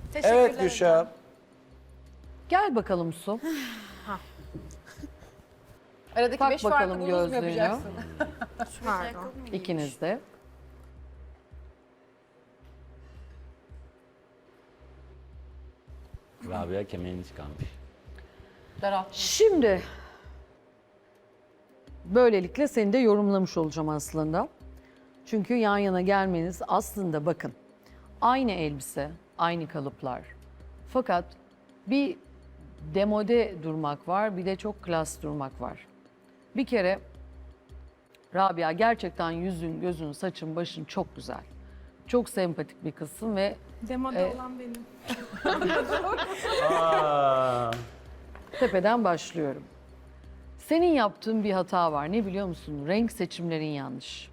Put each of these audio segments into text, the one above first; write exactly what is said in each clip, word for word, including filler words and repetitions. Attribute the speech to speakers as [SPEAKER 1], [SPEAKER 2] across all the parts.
[SPEAKER 1] Evet Gülşah.
[SPEAKER 2] Gel bakalım Su.
[SPEAKER 3] Aradaki
[SPEAKER 2] Tak
[SPEAKER 3] beş
[SPEAKER 2] bakalım
[SPEAKER 3] farkı bonus mu
[SPEAKER 2] gözlüğünü.
[SPEAKER 3] yapacaksın?
[SPEAKER 4] Pardon.
[SPEAKER 2] İkiniz de.
[SPEAKER 5] Rabia kemerini çıkarmış.
[SPEAKER 3] Daraltma.
[SPEAKER 2] Şimdi böylelikle seni de yorumlamış olacağım aslında. Çünkü yan yana gelmeniz aslında bakın aynı elbise, aynı kalıplar. Fakat bir demode durmak var, bir de çok klas durmak var. Bir kere Rabia gerçekten yüzün, gözün, saçın, başın çok güzel. Çok sempatik bir kızsın ve
[SPEAKER 4] Demoda
[SPEAKER 2] E,
[SPEAKER 4] olan benim.
[SPEAKER 5] Aa,
[SPEAKER 2] tepeden başlıyorum. Senin yaptığın bir hata var. Ne biliyor musun? Renk seçimlerin yanlış.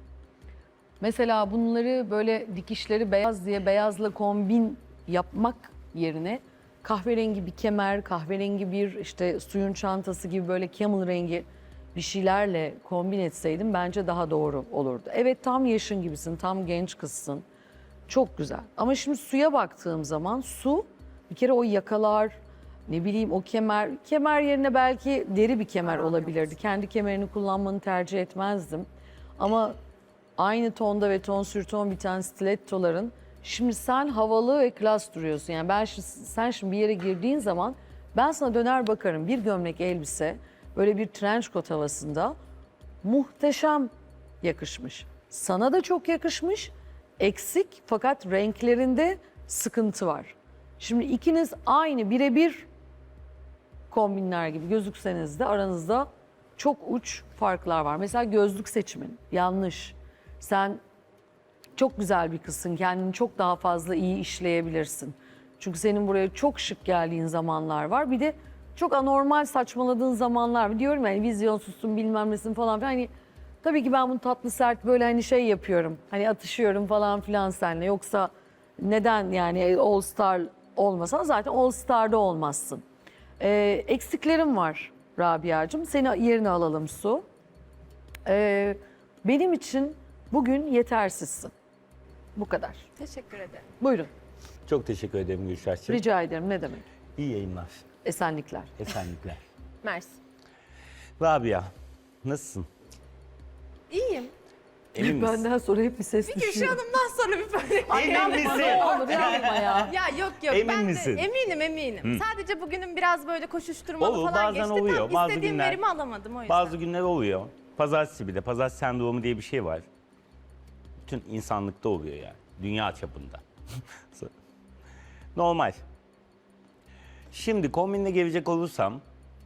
[SPEAKER 2] Mesela bunları böyle dikişleri beyaz diye beyazla kombin yapmak yerine kahverengi bir kemer, kahverengi bir işte suyun çantası gibi böyle camel rengi bir şeylerle kombin etseydim bence daha doğru olurdu. Evet tam yaşın gibisin, tam genç kızsın. Çok güzel. Ama şimdi suya baktığım zaman su bir kere o yakalar, ne bileyim o kemer, kemer yerine belki deri bir kemer olabilirdi. Kendi kemerini kullanmanı tercih etmezdim. Ama aynı tonda ve ton sür ton biten stilettoların şimdi sen havalı ve klas duruyorsun. Yani ben şimdi, sen şimdi bir yere girdiğin zaman ben sana döner bakarım. Bir gömlek elbise böyle bir trench coat havasında muhteşem yakışmış. Sana da çok yakışmış. Eksik fakat renklerinde sıkıntı var. Şimdi ikiniz aynı birebir kombinler gibi gözükseniz de aranızda çok uç farklar var. Mesela gözlük seçimin yanlış. Sen çok güzel bir kızsın. Kendini çok daha fazla iyi işleyebilirsin. Çünkü senin buraya çok şık geldiğin zamanlar var. Bir de çok anormal saçmaladığın zamanlar var. Diyorum yani vizyonsuzsun bilmem nesin falan filan. Hani tabii ki ben bunu tatlı sert böyle hani şey yapıyorum. Hani atışıyorum falan filan seninle. Yoksa neden yani All Star olmasan zaten All Star'da olmazsın. Ee, eksiklerim var Rabia'cığım. Seni yerine alalım Su. Ee, benim için bugün yetersizsin. Bu kadar.
[SPEAKER 3] Teşekkür ederim.
[SPEAKER 2] Buyurun.
[SPEAKER 5] çok teşekkür ederim Gülşah'cığım.
[SPEAKER 2] Rica ederim. Ne demek?
[SPEAKER 5] İyi yayınlar.
[SPEAKER 2] Esenlikler.
[SPEAKER 5] Esenlikler.
[SPEAKER 3] Mersi.
[SPEAKER 5] Rabia, nasılsın?
[SPEAKER 3] İyiyim.
[SPEAKER 5] Emin misin?
[SPEAKER 2] Benden sonra hep bir ses
[SPEAKER 3] Gülşah
[SPEAKER 2] düşüyor.
[SPEAKER 3] Hanım'dan sonra bir böyle.
[SPEAKER 5] Emin misin?
[SPEAKER 2] Ne olur yapma ya.
[SPEAKER 3] Ya yok yok
[SPEAKER 5] Emin
[SPEAKER 3] ben
[SPEAKER 5] misin?
[SPEAKER 3] de eminim eminim. Sadece bugünün biraz böyle koşuşturmalı
[SPEAKER 5] Olur,
[SPEAKER 3] falan
[SPEAKER 5] bazen
[SPEAKER 3] geçti.
[SPEAKER 5] oluyor.
[SPEAKER 3] Tam
[SPEAKER 5] Bazı
[SPEAKER 3] istediğim
[SPEAKER 5] günler-
[SPEAKER 3] verimi alamadım o yüzden.
[SPEAKER 5] Bazı günler oluyor. Pazartesi bir de. Pazartesi sendromu diye bir şey var. Bütün insanlıkta oluyor yani. Dünya çapında. Normal. Şimdi kombinle gelecek olursam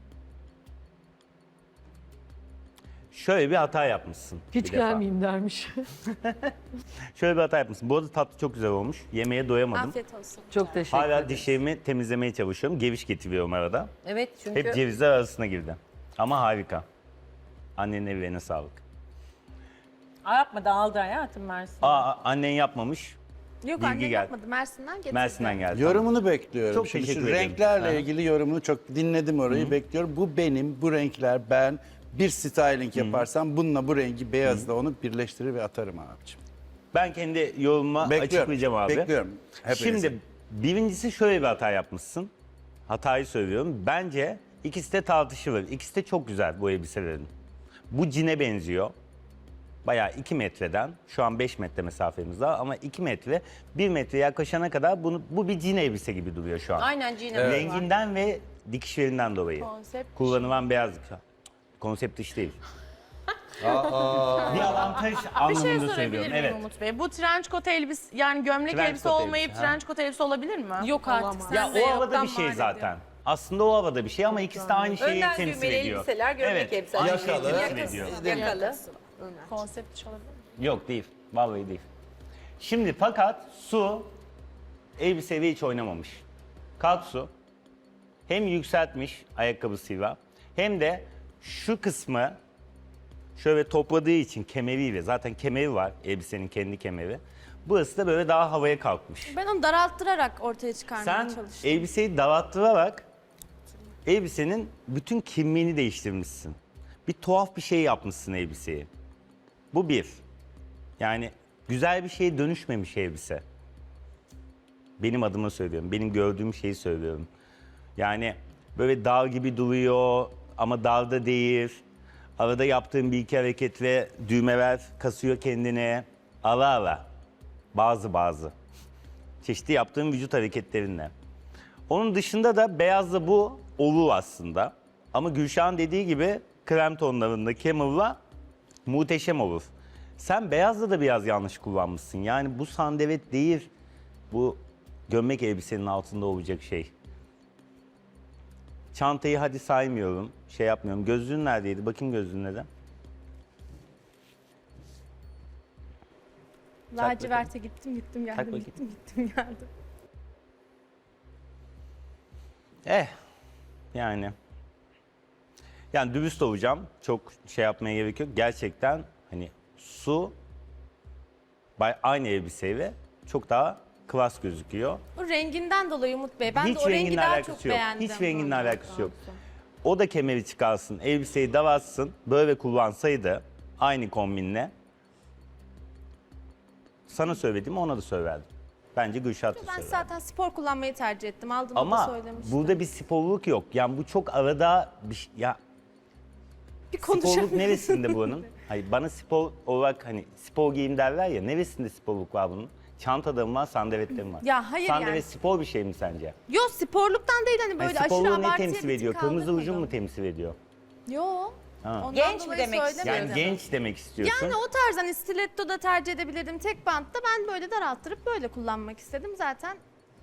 [SPEAKER 5] şöyle bir hata yapmışsın.
[SPEAKER 2] Hiç
[SPEAKER 5] bir defa.
[SPEAKER 2] gelmeyeyim dermiş.
[SPEAKER 5] Şöyle bir hata yapmışsın. Bu arada tatlı çok güzel olmuş. Yemeğe doyamadım.
[SPEAKER 3] Afiyet olsun.
[SPEAKER 2] Çok teşekkür
[SPEAKER 5] Hala
[SPEAKER 2] ederim.
[SPEAKER 5] dişlerimi temizlemeye çalışıyorum. Geviş getiriyorum arada.
[SPEAKER 3] Evet çünkü
[SPEAKER 5] Hep cevizler arasına girdi. Ama harika. Annenin evlerine sağlık.
[SPEAKER 6] Aa, yapma dağıldı hayatım Mersin.
[SPEAKER 5] Aa, annen yapmamış.
[SPEAKER 3] yok
[SPEAKER 5] bilgi
[SPEAKER 3] annem
[SPEAKER 5] geldi.
[SPEAKER 3] yapmadı. Mersin'den getirdi.
[SPEAKER 5] Mersin'den geldi.
[SPEAKER 1] Yorumunu bekliyorum.
[SPEAKER 5] Çok
[SPEAKER 1] Şimdi
[SPEAKER 5] teşekkür
[SPEAKER 1] şu
[SPEAKER 5] ederim.
[SPEAKER 1] renklerle
[SPEAKER 5] Ha.
[SPEAKER 1] ilgili yorumunu çok dinledim orayı bekliyorum. Bu benim, bu renkler ben bir styling yaparsam bununla bu rengi beyazla onu birleştirir ve atarım abiciğim.
[SPEAKER 5] Ben kendi yorumuma
[SPEAKER 1] Bekliyorum.
[SPEAKER 5] açıklayacağım abi.
[SPEAKER 1] Bekliyorum. Hepinizi.
[SPEAKER 5] Şimdi birincisi şöyle bir hata yapmışsın. Hatayı söylüyorum. Bence ikisi de tartışılır. İkisi de çok güzel bu elbiselerin. Bu cine benziyor. Bayağı iki metreden, şu an beş metre mesafemiz var ama iki metre, bir metre yaklaşana kadar bunu, bu bir cine elbise gibi duruyor şu an.
[SPEAKER 6] Aynen Cine.
[SPEAKER 5] Renginden ve dikişlerinden dolayı.
[SPEAKER 3] Konsept.
[SPEAKER 5] Kullanılan beyazlık. Konsept iş değil. bir avantaj
[SPEAKER 6] Bir şey
[SPEAKER 5] anlamında
[SPEAKER 6] sorabilir
[SPEAKER 5] söylüyorum.
[SPEAKER 6] miyim
[SPEAKER 5] Evet.
[SPEAKER 6] Umut Bey? Bu trench coat elbise yani gömlek
[SPEAKER 5] Trench
[SPEAKER 6] elbise
[SPEAKER 5] coat
[SPEAKER 6] olmayıp
[SPEAKER 5] elbise, ha.
[SPEAKER 6] trench coat elbise olabilir mi?
[SPEAKER 3] Yok artık sen
[SPEAKER 5] Ya
[SPEAKER 3] de
[SPEAKER 5] o havada
[SPEAKER 3] yoktan
[SPEAKER 5] bir şey
[SPEAKER 3] mal
[SPEAKER 5] zaten.
[SPEAKER 3] ediyorsun.
[SPEAKER 5] Aslında o havada bir şey ama ikisi de aynı şeyi
[SPEAKER 3] Önden
[SPEAKER 5] temsil
[SPEAKER 3] düğmeli
[SPEAKER 5] ediyor.
[SPEAKER 3] elbiseler, gömlek
[SPEAKER 5] evet,
[SPEAKER 3] elbiseler.
[SPEAKER 5] Aynı şeyi
[SPEAKER 1] Yakalı.
[SPEAKER 5] temsil ediyor.
[SPEAKER 3] Yakalı.
[SPEAKER 6] Konsept iş olabilir mi?
[SPEAKER 5] Yok değil. Vallahi değil. Şimdi fakat Su elbiseyle hiç oynamamış. Kalk Su hem yükseltmiş ayakkabısıyla hem de şu kısmı şöyle topladığı için kemeriyle, zaten kemeri var elbisenin kendi kemeri. Burası da böyle daha havaya kalkmış.
[SPEAKER 3] Ben onu daralttırarak ortaya çıkarmaya
[SPEAKER 5] Sen
[SPEAKER 3] çalıştım.
[SPEAKER 5] elbiseyi daralttırarak elbisenin bütün kimliğini değiştirmişsin. Bir tuhaf bir şey yapmışsın elbiseyi. Bu bir. Yani güzel bir şeye dönüşmemiş elbise. Benim adıma söylüyorum. Benim gördüğüm şeyi söylüyorum. Yani böyle dağ gibi duruyor ama dağda değil. Arada yaptığım bir iki hareket ve düğmeler kasıyor kendine. Ara ara. Bazı bazı. Çeşitli yaptığım vücut hareketlerinle. Onun dışında da beyazla bu olur aslında. Ama Gülşah'ın dediği gibi krem tonlarında Camel'la muhteşem olur. Sen beyazla da biraz yanlış kullanmışsın. Yani bu sandalet değil, bu gömlek elbisenin altında olacak şey. Çantayı hadi saymıyorum, şey yapmıyorum. Gözlüğün neredeydi? Bakayım gözlüğüne de.
[SPEAKER 3] Laciverte gittim gittim
[SPEAKER 5] Tak
[SPEAKER 3] geldim
[SPEAKER 5] bakayım.
[SPEAKER 3] gittim gittim geldim.
[SPEAKER 5] Eh, yani. Yani dürüst olacağım. Çok şey yapmaya gerek yok. Gerçekten hani su bay- aynı elbiseyle çok daha klas gözüküyor.
[SPEAKER 3] O renginden dolayı Umut Bey. Ben
[SPEAKER 5] Hiç
[SPEAKER 3] de o rengi
[SPEAKER 5] renginle
[SPEAKER 3] daha
[SPEAKER 5] alakası
[SPEAKER 3] çok
[SPEAKER 5] yok.
[SPEAKER 3] beğendim.
[SPEAKER 5] Hiç renginle alakası yok. O da kemeri çıkarsın, elbiseyi davatsın, böyle kullansaydı aynı kombinle. Sana söylediğimi ona da söylerdim. Bence Gülşah da
[SPEAKER 3] Ben
[SPEAKER 5] söylerdi.
[SPEAKER 3] zaten spor kullanmayı tercih ettim. Aldığımda da
[SPEAKER 5] Ama
[SPEAKER 3] söylemiştim.
[SPEAKER 5] burada bir sporluk yok. Yani bu çok arada bir şey- ya
[SPEAKER 3] bir
[SPEAKER 5] sporluk
[SPEAKER 3] konuşalım.
[SPEAKER 5] neresinde bunun? Hayır bana spor olarak hani spor giyim derler ya, neresinde sporluk var bunun? Çantada mı var, sandaletlerim mi var?
[SPEAKER 3] Ya hayır
[SPEAKER 5] Sandalet
[SPEAKER 3] yani.
[SPEAKER 5] spor bir şey mi sence?
[SPEAKER 3] Yo sporluktan değil hani
[SPEAKER 5] Hani
[SPEAKER 3] böyle aşırı
[SPEAKER 5] sporluğu ne
[SPEAKER 3] abartıya
[SPEAKER 5] temsil
[SPEAKER 3] bir
[SPEAKER 5] ediyor?
[SPEAKER 3] tık
[SPEAKER 5] Kırmızı ucun
[SPEAKER 3] kaldırmadım.
[SPEAKER 5] mu temsil ediyor?
[SPEAKER 3] Yo.
[SPEAKER 5] Ha.
[SPEAKER 3] Ondan
[SPEAKER 6] Genç mi
[SPEAKER 3] dolayı
[SPEAKER 6] demek istiyorsun?
[SPEAKER 5] Yani
[SPEAKER 3] söylemedim.
[SPEAKER 5] genç demek istiyorsun.
[SPEAKER 3] Yani o tarz hani stiletto da tercih edebilirdim. Tek bantta ben böyle daralttırıp böyle kullanmak istedim. Zaten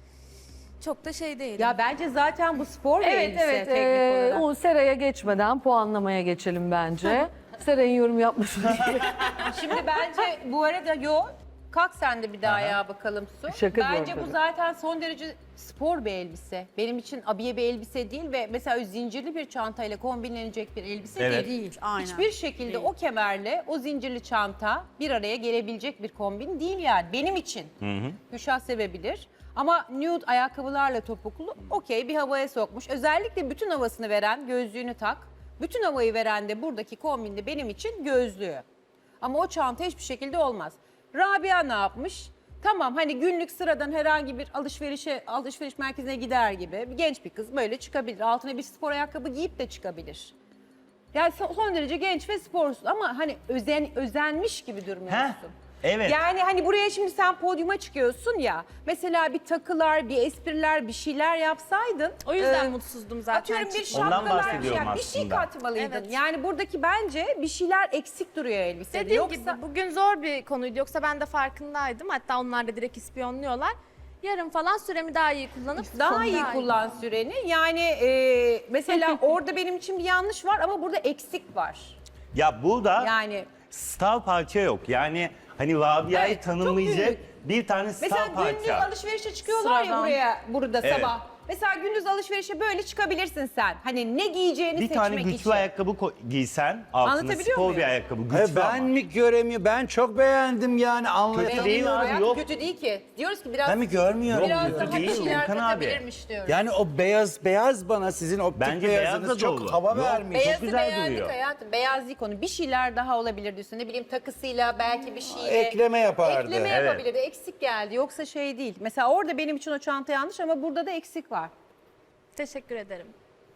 [SPEAKER 3] çok da şey değil.
[SPEAKER 6] Ya bence zaten bu spor bir
[SPEAKER 2] Evet
[SPEAKER 6] elbise
[SPEAKER 2] evet.
[SPEAKER 6] teknik
[SPEAKER 2] Ee,
[SPEAKER 6] olarak.
[SPEAKER 2] o Sera'ya geçmeden puanlamaya geçelim bence. Sera'nın yorum yapmasını diye.
[SPEAKER 6] Şimdi bence bu arada yo kalk sen de bir daha ayağa bakalım Su.
[SPEAKER 2] Şaka
[SPEAKER 6] Bence
[SPEAKER 2] diyorum
[SPEAKER 6] bu
[SPEAKER 2] tabii.
[SPEAKER 6] zaten son derece spor bir elbise. Benim için abiye bir elbise değil ve mesela zincirli bir çantayla kombinlenecek bir elbise
[SPEAKER 5] Evet.
[SPEAKER 6] değil.
[SPEAKER 4] Değil, aynen.
[SPEAKER 6] Hiçbir şekilde o kemerle o zincirli çanta bir araya gelebilecek bir kombin değil yani benim için. Gülşah sevebilir. Ama nude ayakkabılarla topuklu okey bir havaya sokmuş. Özellikle bütün havasını veren gözlüğünü tak. Bütün havayı veren de buradaki kombinde benim için gözlüğü. Ama o çanta hiçbir şekilde olmaz. Rabia ne yapmış? Tamam hani günlük sıradan herhangi bir alışverişe alışveriş merkezine gider gibi bir genç bir kız böyle çıkabilir. Altına bir spor ayakkabı giyip de çıkabilir. Yani son son derece genç ve sporsuz ama hani özen özenmiş gibi durmuyorsun.
[SPEAKER 5] Heh, evet.
[SPEAKER 6] Yani hani buraya şimdi sen podyuma çıkıyorsun ya. Mesela bir takılar, bir espriler, bir şeyler yapsaydın.
[SPEAKER 3] O yüzden
[SPEAKER 6] e,
[SPEAKER 3] mutsuzdum zaten.
[SPEAKER 6] Atıyorum bir
[SPEAKER 3] çıkmadım.
[SPEAKER 5] Ondan
[SPEAKER 6] şapkalar,
[SPEAKER 5] bahsediyorum
[SPEAKER 6] yani bir şey
[SPEAKER 5] aslında.
[SPEAKER 6] katmalıydın.
[SPEAKER 3] Evet.
[SPEAKER 6] Yani buradaki bence bir şeyler eksik duruyor elbisede.
[SPEAKER 3] Dediğim
[SPEAKER 6] Yoksa
[SPEAKER 3] gibi bugün zor bir konuydu. Yoksa ben de farkındaydım. Hatta onlar da direkt ispiyonluyorlar. Yarın falan süremi daha iyi kullanıp
[SPEAKER 6] daha
[SPEAKER 3] sonu
[SPEAKER 6] iyi kullan süreni. Yani e, mesela orada benim için bir yanlış var ama burada eksik var.
[SPEAKER 5] Ya burada
[SPEAKER 6] Yani
[SPEAKER 5] star parça yok. Yani hani Rabia'yı
[SPEAKER 6] Evet, çok
[SPEAKER 5] tanımlayacak
[SPEAKER 6] günlük.
[SPEAKER 5] bir tane star
[SPEAKER 6] mesela gündüz
[SPEAKER 5] parça.
[SPEAKER 6] alışverişe çıkıyorlar ya
[SPEAKER 3] Sıradan.
[SPEAKER 6] buraya burada
[SPEAKER 5] Evet.
[SPEAKER 6] sabah. Mesela gündüz alışverişe böyle çıkabilirsin sen. Hani ne giyeceğini
[SPEAKER 5] Bir
[SPEAKER 6] seçmek
[SPEAKER 5] tane güçlü
[SPEAKER 6] için.
[SPEAKER 5] ayakkabı ko- giysen altına
[SPEAKER 6] Anlatabiliyor
[SPEAKER 5] spor
[SPEAKER 6] muyum?
[SPEAKER 5] bir ayakkabı. Güçlü
[SPEAKER 1] Hayır, ben
[SPEAKER 5] ama.
[SPEAKER 1] mi göremiyorum? Ben çok beğendim yani anlatamam.
[SPEAKER 5] Kötü değil
[SPEAKER 6] Beğeniyor
[SPEAKER 5] abi,
[SPEAKER 6] ya,
[SPEAKER 5] yok.
[SPEAKER 6] Kötü değil ki. Diyoruz ki biraz
[SPEAKER 1] Ben mi görmüyorum?
[SPEAKER 5] Yok,
[SPEAKER 6] biraz
[SPEAKER 5] kötü
[SPEAKER 6] daha
[SPEAKER 5] değil,
[SPEAKER 6] bir şeyler
[SPEAKER 5] Volkan abi.
[SPEAKER 6] katabilirmiş diyoruz.
[SPEAKER 1] Yani o beyaz beyaz bana sizin optik
[SPEAKER 5] Bence
[SPEAKER 1] beyazınız
[SPEAKER 5] beyaz da
[SPEAKER 1] çok
[SPEAKER 5] dolu.
[SPEAKER 1] hava
[SPEAKER 5] Yok,
[SPEAKER 1] vermiş.
[SPEAKER 5] beyaz-
[SPEAKER 6] Beyazı
[SPEAKER 5] güzel
[SPEAKER 6] beğendik
[SPEAKER 5] duruyor.
[SPEAKER 6] hayatım. Beyaz değil konu. Bir şeyler daha olabilir diyorsun. Ne bileyim takısıyla belki bir şeyle.
[SPEAKER 1] Ekleme yapardı.
[SPEAKER 6] Ekleme
[SPEAKER 5] Evet.
[SPEAKER 6] yapabilirdi. Eksik geldi. Yoksa şey değil. Mesela orada benim için o çanta yanlış ama burada da eksik var.
[SPEAKER 3] Teşekkür ederim.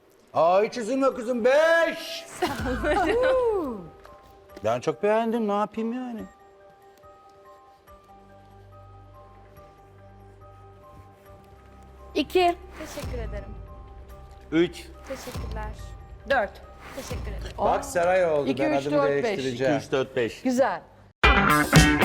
[SPEAKER 1] Aa hiç üzülme kızım. Beş. Ben çok beğendim. Ne yapayım yani?
[SPEAKER 2] İki.
[SPEAKER 3] Teşekkür ederim.
[SPEAKER 5] Üç.
[SPEAKER 3] Teşekkürler.
[SPEAKER 6] Dört.
[SPEAKER 3] Teşekkür ederim.
[SPEAKER 1] Bak saray oldu.
[SPEAKER 2] İki,
[SPEAKER 1] ben
[SPEAKER 2] üç,
[SPEAKER 1] adımı
[SPEAKER 2] dört, beş.
[SPEAKER 1] değiştireceğim.
[SPEAKER 5] Üç, dört, beş.
[SPEAKER 2] Güzel.